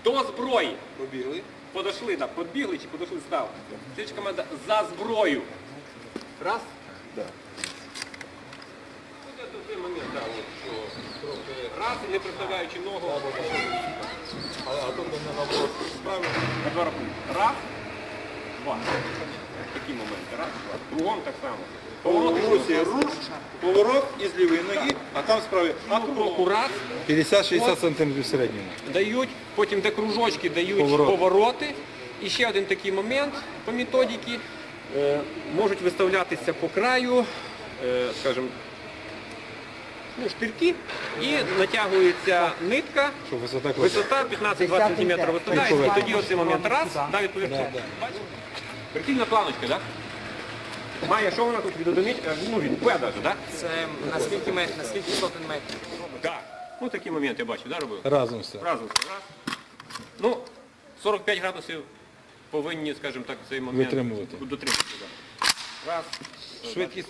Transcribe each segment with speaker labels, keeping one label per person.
Speaker 1: До зброї.
Speaker 2: Побігли.
Speaker 1: Подошли, так, подбігли чи подошли, став. Слідча команда за зброю. Раз.
Speaker 2: Да.
Speaker 1: Це той момент, так, от, що трохи раз, і не представляючи ногу.
Speaker 2: А тут у мене наоборот справи.
Speaker 1: На два рахунки. Раз, два. Такі моменти. Раз, два. Кругом так само.
Speaker 2: Поворот із лівої ноги, а там справи. А
Speaker 1: Кругу раз.
Speaker 2: 50-60 см в середньому.
Speaker 1: Дають, потім де кружочки дають повороти. І ще один такий момент по методиці. Можуть виставлятися по краю, скажімо, штирки, і натягується нитка,
Speaker 2: Щоб висота класу.
Speaker 1: висота 15-20 см виставляється, і тоді оцей момент раз, навіть поверху. Прикольна планочка, так? Має, що вона тут від одиниць, ну від П навіть, так?
Speaker 3: Це наскільки сотень метрів?
Speaker 1: Так. Ну такі моменти я бачу, так, робив?
Speaker 2: Разом все.
Speaker 1: Разом все, раз. Ну, 45 градусів повинні, скажімо так, цей момент
Speaker 2: Витримувати.
Speaker 1: дотримувати. Да. Раз.
Speaker 2: Швидкість.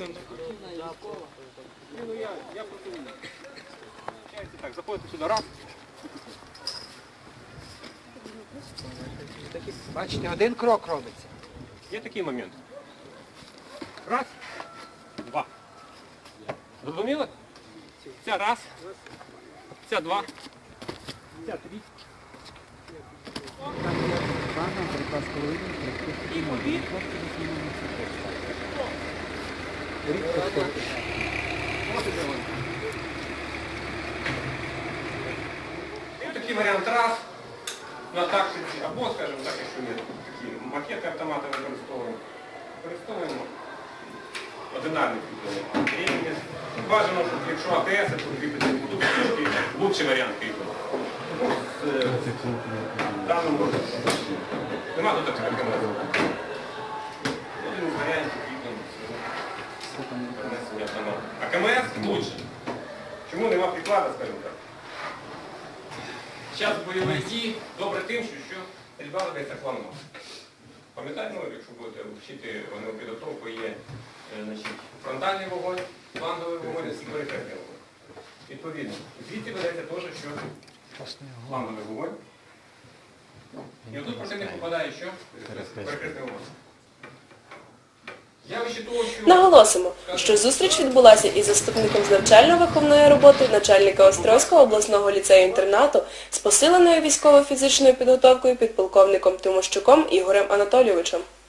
Speaker 1: Ну, я просто так, заходите сюди, раз.
Speaker 3: Бачите, один крок робиться.
Speaker 1: Є такий момент. Раз, два. Зрозуміли? Ця раз, ця два, ця три. І побіг. Такий варіант раз на тактиці, або, скажімо так, якщо є такі макети автомата використовуємо. Використовуємо одинарний кріплення. Бажано, щоб якщо АТС, то кріпити тут трошки лучший варіант кріплення. В даному випадку нема тут таких КМС. Один з варіантів кріплення перенесення автомата. А КМС лучше. Чому нема приклада, скажімо так? Час бойових дій добре тим, що стрільба ведеться планово. Пам'ятаєте, якщо будете вчити підготовку, є фронтальний вогонь, фланговий вогонь і перехресний вогонь. Відповідно, звідси ведеться теж, що фланговий вогонь. І отут противник попадає що? Перехресний вогонь.
Speaker 4: Наголосимо, що зустріч відбулася із заступником з навчально-виховної роботи начальника Острозького обласного ліцею-інтернату з посиленою військово-фізичною підготовкою підполковником Тимощуком Ігорем Анатолійовичем.